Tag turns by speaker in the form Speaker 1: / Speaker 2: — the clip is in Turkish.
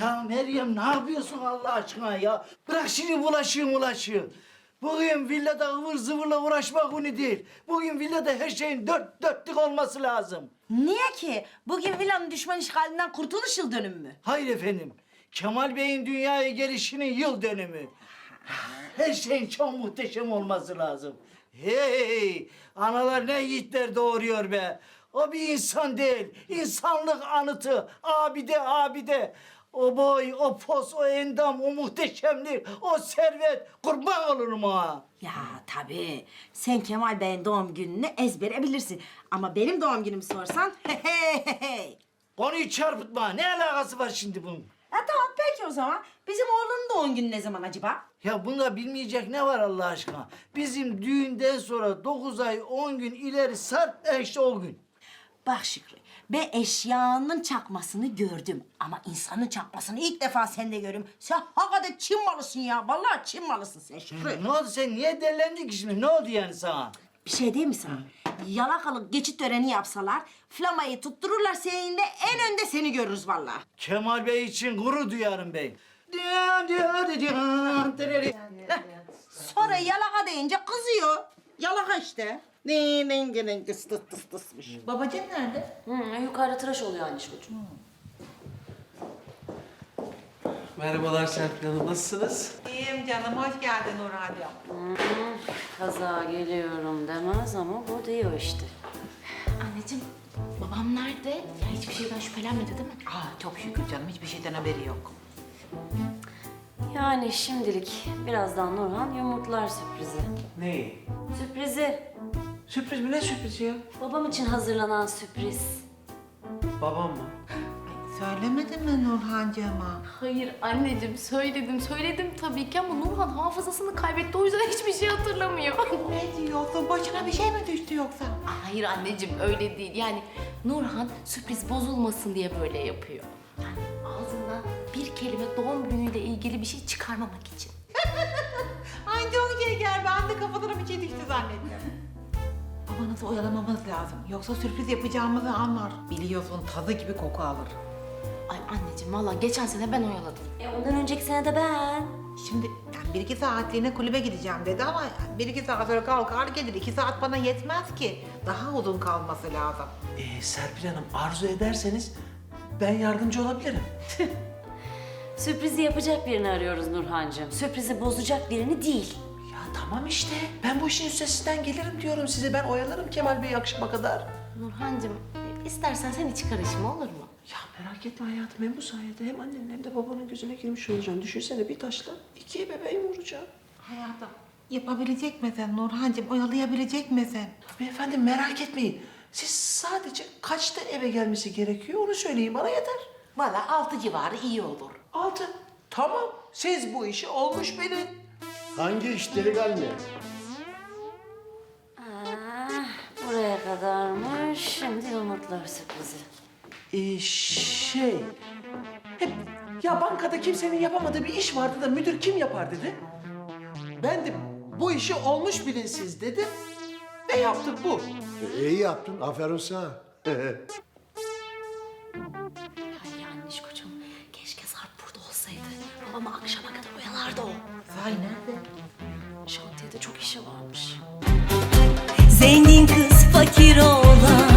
Speaker 1: Ya Meryem ne yapıyorsun Allah aşkına ya? Bırak şimdi bulaşığı. Bugün villada ıvır zıvırla uğraşmak günü değil. Bugün villada her şeyin dörtlük olması lazım.
Speaker 2: Niye ki? Bugün villanın düşman işgalinden kurtuluş yıl dönümü mü?
Speaker 1: Hayır efendim. Kemal Bey'in dünyaya gelişinin yıl dönümü. Her şeyin çok muhteşem olması lazım. Hey! Analar ne yiğitler doğuruyor be. O bir insan değil. İnsanlık anıtı. Abide. O boy, o pos, o endam, o muhteşemlik, o servet. Kurban olurum ha.
Speaker 2: Ya tabii. Sen Kemal Bey'in doğum gününü ezbere bilirsin. Ama benim doğum günümü sorsan hey.
Speaker 1: Konuyu çarpıtma. Ne alakası var şimdi bunun?
Speaker 2: Tamam peki o zaman. Bizim oğlunun doğum günü ne zaman acaba?
Speaker 1: Ya bunda bilmeyecek ne var Allah aşkına? Bizim düğünden sonra 9 ay 10 gün ileri sar işte o gün.
Speaker 2: Bak Şükrü, ben eşyanın çakmasını gördüm. Ama insanın çakmasını ilk defa sende görüyorum. Sen hakikaten Çin malısın ya. Vallahi Çin malısın sen Şükrü.
Speaker 1: Ne oldu sen niye delendin ki şimdi? Ne oldu yani sana?
Speaker 2: Bir şey diyeyim mi sana? Yalakalık geçit töreni yapsalar, flamayı tuttururlar seninle, en önde seni görürüz vallahi.
Speaker 1: Kemal Bey için gurur duyarım bey.
Speaker 2: Sonra yalaka deyince kızıyor. Yalaka işte. Ne tıs.
Speaker 3: Babacığım nerede?
Speaker 4: Yukarıda tıraş oluyor Anişkocuğum.
Speaker 5: Merhabalar Serpil Hanım, nasılsınız?
Speaker 3: İyiyim canım, hoş geldin Nurhan'cığım.
Speaker 4: Kaza geliyorum demez ama bu diyor işte.
Speaker 6: Anneciğim, babam nerede? Ya hiçbir şeyden şüphelenmedi değil mi?
Speaker 3: Çok şükür canım, hiçbir şeyden haberi yok.
Speaker 4: Yani şimdilik birazdan Nurhan yumurtlar sürprizi.
Speaker 5: Neyi?
Speaker 4: Sürprizi.
Speaker 5: Sürpriz mi? Ne sürprizi ya?
Speaker 4: Babam için hazırlanan sürpriz.
Speaker 5: Babam mı?
Speaker 3: Söylemedin mi Nurhan'cığıma?
Speaker 6: Hayır anneciğim, söyledim tabii ki ama Nurhan hafızasını kaybetti. O yüzden hiçbir şey hatırlamıyor.
Speaker 3: Ne diyorsun? Başına bir şey mi düştü yoksa?
Speaker 6: Hayır anneciğim, öyle değil. Yani Nurhan sürpriz bozulmasın diye böyle yapıyor. Yani ağzından bir kelime doğum günüyle ilgili bir şey çıkarmamak için.
Speaker 3: Ay çok şeker, ben de kafadan bir şey düştü zannettim. Babanızı oyalamamız lazım. Yoksa sürpriz yapacağımızı anlar. Biliyorsun tazı gibi koku alır.
Speaker 6: Ay anneciğim, vallahi geçen sene ben oyaladım.
Speaker 4: Ondan önceki sene de ben.
Speaker 3: Şimdi yani 1-2 saatliğine kulübe gideceğim dedi ama 1-2 saat sonra kalkar gelir. 2 saat bana yetmez ki. Daha uzun kalması lazım.
Speaker 5: Serpil Hanım, arzu ederseniz ben yardımcı olabilirim.
Speaker 4: Sürprizi yapacak birini arıyoruz Nurhancığım. Sürprizi bozacak birini değil.
Speaker 5: Ya tamam işte, ben bu işin üstesinden gelirim diyorum size. Ben oyalarım Kemal Bey'i akşama kadar.
Speaker 6: Nurhancığım, istersen sen hiç karışma, olur mu?
Speaker 5: Ya merak etme hayatım, hem bu sayede hem annenin hem de babanın gözüne girmiş olacaksın. Düşünsene bir taşla 2 bebeğim vuracağım.
Speaker 3: Hayatım yapabilecek misin Nurhancığım? Oyalayabilecek misin?
Speaker 5: Tabii efendim, merak etmeyin. Siz sadece kaçta eve gelmesi gerekiyor onu söyleyin, bana yeter.
Speaker 3: Valla 6 civarı iyi olur.
Speaker 5: 6. Tamam, siz bu işi olmuş bilin.
Speaker 7: Hangi iş delikanlı?
Speaker 4: Buraya kadarmış. Şimdi yumurtlar sürprizi.
Speaker 5: Hep ya bankada kimsenin yapamadığı bir iş vardı da müdür kim yapar dedi. Ben de bu işi olmuş bilin siz dedim ve yaptık bu.
Speaker 7: İyi yaptın, aferin sana.
Speaker 6: Ay Anişkocuğum, keşke Sarp burada olsaydı. Babamı akşama kadar oyalardı o.
Speaker 3: Sahi nerede?
Speaker 6: Şantiyede çok işi varmış.
Speaker 8: Zengin kız fakir oğlan